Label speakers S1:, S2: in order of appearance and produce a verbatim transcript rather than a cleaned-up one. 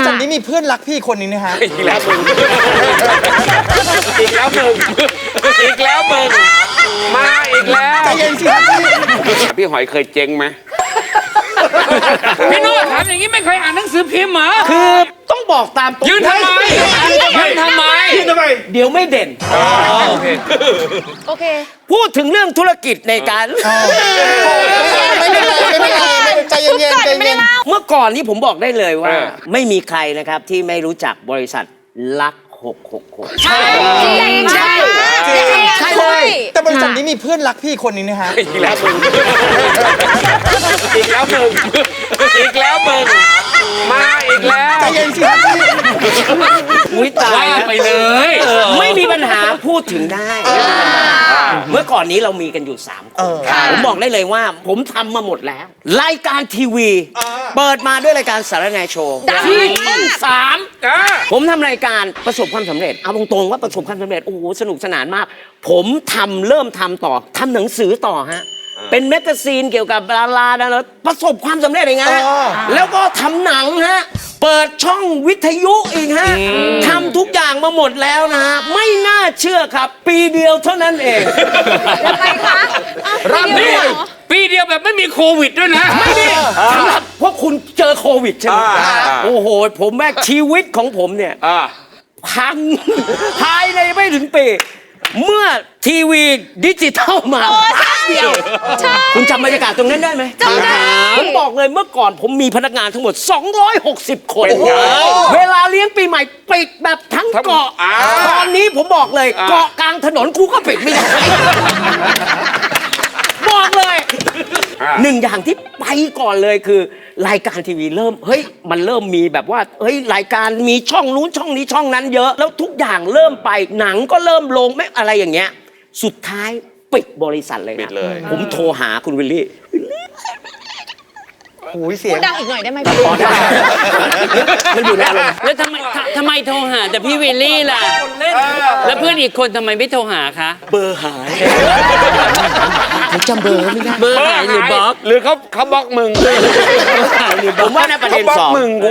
S1: ษัทนี้มีเพื่อนรักพี่คนนี้นะฮะ
S2: อีกแล้วมึงอีกแล้วมึงอีกแล้วมึงมาอีกแล้ว
S1: ใจเย็นสิครับพี่
S2: พี่หอยเคยเจ๊งไหม
S3: พี่โน้ตถามอย่างนี้ไม่เคยอ่านหนังสือพิมพ์เหรอ
S4: คือต้องบอกตามตรง
S3: ยืนทำไมยืนทำไม
S4: ยืนทำไมเดี๋ยวไม่เด่นโอเค
S5: โอเค
S4: พูดถึงเรื่องธุรกิจในการ
S1: ไม่เป็นไรไม่เป็นไรใจเย็นๆใจเย็น
S4: เมื่อก่อนนี้ผมบอกได้เลยว่าไม่มีใครนะครับที่ไม่รู้จักบริษัทลักหกหกหก
S5: ใช่ใช่ใช่เลย
S1: แต่บริษัทนี้มีเพื่อนรักพี่คนนี้นะฮะ
S2: อีกแล้วมึงอีกแล้วมึงอีกแล้วมึงมาอีกแล้ว
S1: ใจเย็นสิครับพี่
S4: อุ้ยตาย
S3: ไปเลย
S4: ไม่มีปัญหาพูดถึงได้เมื่อก่อนนี้เรามีกันอยู่สามคนผมบอกได้เลยว่าผมทำมาหมดแล้วรายการทีวีเปิดมาด้วยรายการสารแนโชว์ที่ช่องสามผมทำรายการประสบความสำเร็จเอาตรงๆว่าประสบความสำเร็จโอ้โหสนุกสนานมากผมทำเริ่มทำต่อทำหนังสือต่อฮะเป็นแมกกาซีนเกี่ยวกับดาราดาราประสบความสำเร็จอย่างเงี้ยแล้วก็ทำหนังฮะเปิดช่องวิทยุอีกฮะทำทุกอย่างมาหมดแล้วนะฮะไม่น่าเชื่อครับปีเดียวเท่านั้นเอง
S5: ทำไมคะ
S4: รับด้วย
S3: ปีเดียวแบบไม่มีโควิดด้วยนะ
S4: ไม่มีสำหรับพวกคุณเจอโควิดใช่ไหมโอ้โหผมแม่ชีวิตของผมเนี่ยพังภายในไม่ถึงปีเมื่อทีวีดิจิทัลมาแป๊บเดียวคุณจำบรรยากาศตรงนั้นได้ไหม
S5: จำได้
S4: ผมบอกเลยเมื่อก่อนผมมีพนักงานทั้งหมดสองร้อยหกสิบคนเวลาเลี้ยงปีใหม่ปิดแบบทั้งเกาะตอนนี้ผมบอกเลยเกาะกลางถนนกูก็ปิดไม่ได้บอกเลยหนึ่งอย่างที่ไปก่อนเลยคือรายการทีวีเริ่มเฮ้ยมันเริ่มมีแบบว่าเฮ้ยรายการมีช่องนู้นช่องนี้ช่องนั้นเยอะแล้วทุกอย่างเริ่มไปหนังก็เริ่มลงไม่อะไรอย่างเงี้ยสุดท้ายปิดบริษัทเลยนะผมโทรหาคุณวิลลี่
S1: โอ้ยเสียง
S5: ดังอีกหน่อยได้ไหม
S4: พอได้มันอยู่ในอารมณ์
S3: แล้วทำไมทำไมโทรหาแต่พี่วิลลี่ล่ะแล้วเพื่อนอีกคนทำไมไม่โทรหาคะ
S4: เบอร์หายผมจำเบอร์ไม่ได้
S3: เบอร์หายหรือบล็อก
S2: หรือเขาเขาบล็อกมึง
S4: ผมว่าในประเด็นสอง